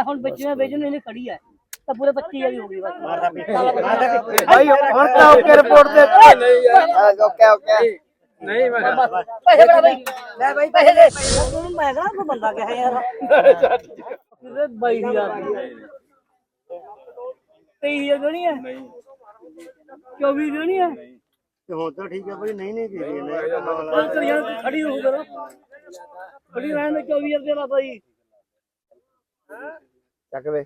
ਹੁਣ ਬੱਚੀਆਂ ਵੇਚਣ ਇਹਨੇ ਖੜੀ ਹੈ ਤਾਂ ਪੂਰੇ 25 ਦੀ ਹੋ ਗਈ ਬਸ ਭਾਈ ਹੁਣ ਤਾਂ ਓਕੇ ਰਿਪੋਰਟ ਦੇ ਨਹੀਂ ਯਾਰ ਓਕੇ ਨਹੀਂ ਮੈਂ ਪੈਸੇ ਬੜਾ ਬਈ ਲੈ ਬਈ ਪੈਸੇ ਦੇ ਤੈਨੂੰ ਮੈਂ ਕਹਾਂ ਕੋਈ ਬੰਦਾ ਕਿਹਾ ਯਾਰ ਕਿਤੇ 22000 23 ਦੇਣੀ ਹੈ ਨਹੀਂ 24 ਦੇਣੀ ਹੈ ਹੁਣ ਤਾਂ ਠੀਕ ਹੈ ਭਾਈ ਨਹੀਂ ਦੇ ਖੜੀ ਹੋ ਕਰੋ ਖੜੀ ਰਹਿਣ ਦੇ 24000 ਦੇ ਬਾਬਾ ਜੀ ਚੱਕ ਵੇ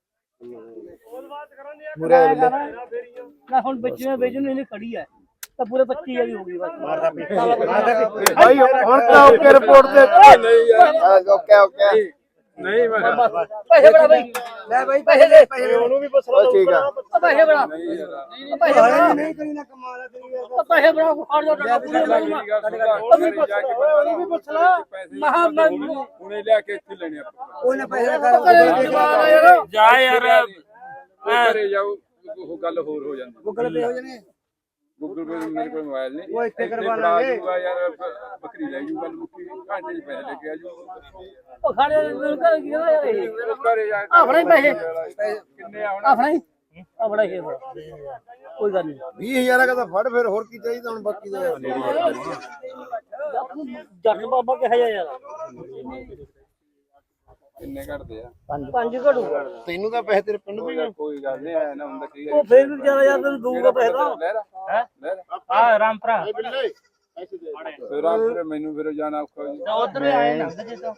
ਮੁਰੇ ਨਾ ਹੁਣ ਬੱਚੀਆਂ ਵੇਚਣ ਇਹਨੇ ਖੜੀ ਹੈ ਤਾਂ ਪੂਰੇ 25 ਦੀ ਹੋ ਗਈ ਬਸ ਭਾਈ ਹੁਣ ਤਾਂ ਓਕੇ ਰਿਪੋਰਟ ਦੇ ਨਹੀਂ ਯਾਰ ਓਕੇ ਨਹੀਂ ਮੈਂ ਪੈਸੇ ਬੜਾ ਬਈ ਲੈ ਬਈ ਪੈਸੇ ਦੇ ਉਹਨੂੰ ਵੀ ਪੁੱਛ ਲਓ ਠੀਕ ਆ ਪੈਸੇ ਬੜਾ ਪੈਸੇ ਬੜਾ ਨਹੀਂ ਕਰੀ ਨਾ ਕਮਾਲ ਤੇਰੀ ਪੈਸੇ ਬੜਾ ਖੜ ਜਾ ਉਹਨੂੰ ਵੀ ਪੁੱਛ ਲਾ ਮਹਾ ਹੁਣੇ ਲਿਆ ਕੇ ਇੱਥੇ ਲੈਣੇ ਆਪਾਂ ਉਹਨੇ ਪੈਸੇ ਜਾ ਯਾਰ ਘਰੇ ਜਾਓ ਉਹ ਗੱਲ ਹੋਰ ਹੋ ਜਾਂਦੀ ਗੂਗਲ ਪੇ ਹੋ ਜਾਣੇ ਗੂਗਲ ਪੇ ਮੇਰੇ ਕੋਲ ਮੋਬਾਈਲ ਨਹੀਂ ਉਹ ਇੱਥੇ ਕਰਵਾ ਲਾਂਗੇ ਯਾਰ ਬੱਕਰੀ ਲੈ ਜੂ ਗੱਲ ਮੁੱਕੀ ਘੰਟੇ ਚ ਪੈਸੇ ਲੈ ਕੇ ਆ ਜੂ ਉਹ ਖਾਣੇ ਨੂੰ ਕਰ ਕੀ ਯਾਰ ਇਹ ਘਰੇ ਜਾ ਆਪਣੇ ਪੈਸੇ ਕਿੰਨੇ ਆਉਣ ਆਪਣੇ ਆਪਣਾ ਹੀ ਕੋਈ ਗੱਲ ਨਹੀਂ 20000 ਦਾ ਫੜ ਫਿਰ ਹੋਰ ਕੀ ਚਾਹੀਦਾ ਹੁਣ ਬਾਕੀ ਦਾ ਜੱਟ ਬਾਬਾ ਕਿਹਾ ਯਾਰ ਕਿੰਨੇ ਘਟਦੇ ਆ ਪੰਜ ਘੜੂ ਤੈਨੂੰ ਤਾਂ ਪੈਸੇ ਤੇਰੇ ਪਿੰਡ ਦੇ ਕੋਈ ਗੱਲ ਨਹੀਂ ਆਇਆ ਨਾ ਹੁੰਦਾ ਕੀ ਉਹ ਫੇਰ ਵੀ ਵਿਚਾਰਾ ਯਾਰ ਤੈਨੂੰ ਦਊਗਾ ਪੈਸੇ ਤਾਂ ਹਾਂ ਰਾਮਪਰਾ ਫਿਰ ਆਪ ਮੈਨੂੰ ਫਿਰ ਜਾਣਾ ਔਖਾ ਜੀ ਉਧਰ ਆਏ ਨਾ ਜੇ ਤਾਂ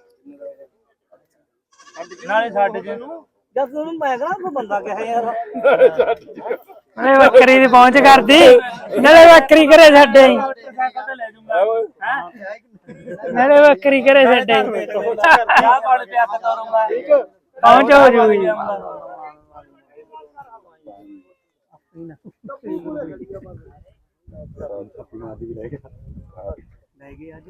ਨਾਲੇ ਸਾਡੇ ਜੇ ਜਦ ਤੈਨੂੰ ਮੈਂ ਕਹਾਂ ਕੋਈ ਬੰਦਾ ਕਿਹਾ ਯਾਰ ਅਰੇ ਬੱਕਰੀ ਦੀ ਪਹੁੰਚ ਕਰਦੀ ਨਾਲੇ ਬੱਕਰੀ ਘਰੇ ਛੱਡੇ ਨਾਲੇ ਬੱਕਰੀ ਘਰੇ ਛੱਡੇ ਪਹੁੰਚ ਹੋ ਜੂਗੀ ਲੈ ਗਏ ਅੱਜ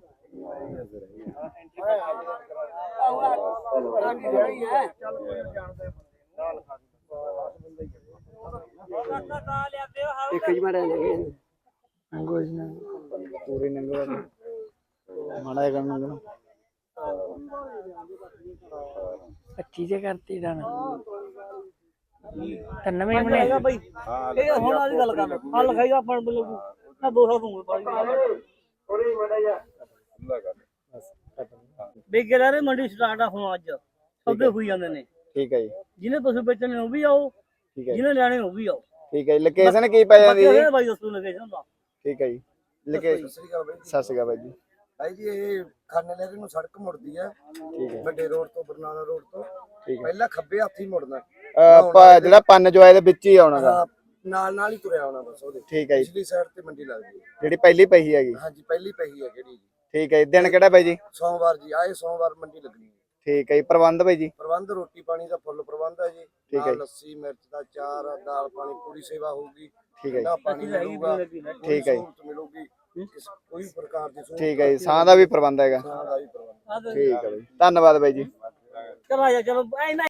ਇੱਕ ਹੀ ਮਾਰਿਆ ਲੈ ਗਏ ਕੁਝ ਨਾ ਪੂਰੇ ਨੰਗਵਾ ਮਾੜਾ ਜਿਹਾ ਕੰਮ 25 ਜੇ ਕਰਤੀ ਡਨ ਤਿੰਨ ਮੈਂ ਮਹੀਨੇ ਹੈਗਾ ਬਈ ਇਹ ਹੁਣ ਵਾਲੀ ਗੱਲ ਕਰ ਹਾਂ ਲਿਖਾਈਗਾ ਆਪਾਂ ਨੂੰ ਮੈਂ 200 ਦੂੰਗਾ ਪਾਜੀ ਬੇਗੇ ਰਹੇ ਮੰਡੀ ਸਟਾਰਟ ਆ ਹੁਣ ਅੱਜ ਸੌਦੇ ਹੋਈ ਜਾਂਦੇ ਨੇ ਠੀਕ ਹੈ ਜੀ ਜਿਹਨੇ ਤੁਸੀਂ ਵੇਚਣੇ ਉਹ ਵੀ ਆਓ ਠੀਕ ਹੈ ਜਿਹਨੇ ਲੈਣੇ ਉਹ ਵੀ ਆਓ ਠੀਕ ਹੈ ਜੀ ਲੋਕੇਸ਼ਨ ਕੀ ਪੈ ਜਾਂਦੀ ਜੀ ਬਾਈ ਦੱਸੋ ਲੋਕੇਸ਼ਨ ਦਾ ਠੀਕ ਹੈ ਜੀ ਲੋਕੇਸ਼ਨ ਸਤਿ ਸ਼੍ਰੀ ਅਕਾਲ ਬਾਈ ਜੀ ਭਾਈ ਜੀ ਇਹ ਖਾਨੇ ਲੈ ਕੇ ਨੂੰ ਸੜਕ ਮੁੜਦੀ ਹੈ ਵੱਡੇ ਰੋਡ ਤੋਂ ਬਰਨਾਲਾ ਰੋਡ ਤੋਂ ਪਹਿਲਾਂ ਖੱਬੇ ਹੱਥ ਹੀ ਮੁੜਨਾ ਜਿਹੜਾ ਪੰਨ ਜੋਏ ਦੇ ਵਿੱਚ ਹੀ ਆਉਣਾ ਗਾ ਨਾਲ ਹੀ ਤੁਰਿਆ ਆਉਣਾ ਬਸ ਉਹਦੇ ਠੀਕ ਹੈ ਜੀ ਪਿਛਲੀ ਸਾਈਡ ਤੇ ਮੰਡੀ ਲੱਗਦੀ ਹੈ ਜਿਹੜੀ ਪਹਿਲੀ ਪਹੀ ਹੈਗੀ ਹਾਂਜੀ ਪਹਿਲੀ ਪਹੀ ਹੈ ਕਿਹੜੀ ਜੀ ਠੀਕ ਹੈ ਜੀ ਦਿਨ ਕਿਹੜਾ ਬਾਈ ਜੀ ਸੋਮਵਾਰ ਜੀ ਆਏ ਸੋਮਵਾਰ ਮੰਡੀ ਲੱਗਣੀ ਹੈ ਠੀਕ ਹੈ ਜੀ ਪ੍ਰਬੰਧ ਬਾਈ ਜੀ ਪ੍ਰਬੰਧ ਰੋਟੀ ਪਾਣੀ ਦਾ ਫੁੱਲ ਪ੍ਰਬੰਧ ਹੈ ਜੀ ਠੀਕ ਹੈ ਲੱਸੀ ਮਿਰਚ ਦਾ ਚਾਰ ਦਾਲ ਪਾਣੀ ਪੂਰੀ ਸੇਵਾ ਹੋਊਗੀ ਠੀਕ ਹੈ ਜੀ ਪਾਣੀ ਮਿਲੂਗਾ ਠੀਕ ਹੈ ਜੀ ਮਿਲੂਗੀ ਕੋਈ ਪ੍ਰਕਾਰ ਦੀ ਠੀਕ ਹੈ ਜੀ ਸਾਹ ਦਾ ਵੀ ਪ੍ਰਬੰਧ ਹੈਗਾ ਦਾ ਵੀ ਪ੍ਰਬੰਧ ਠੀਕ ਹੈ ਬਾਈ ਧੰਨਵਾਦ ਬਾਈ ਜੀ ਚਲੋ ਆ ਜਾ ਚਲੋ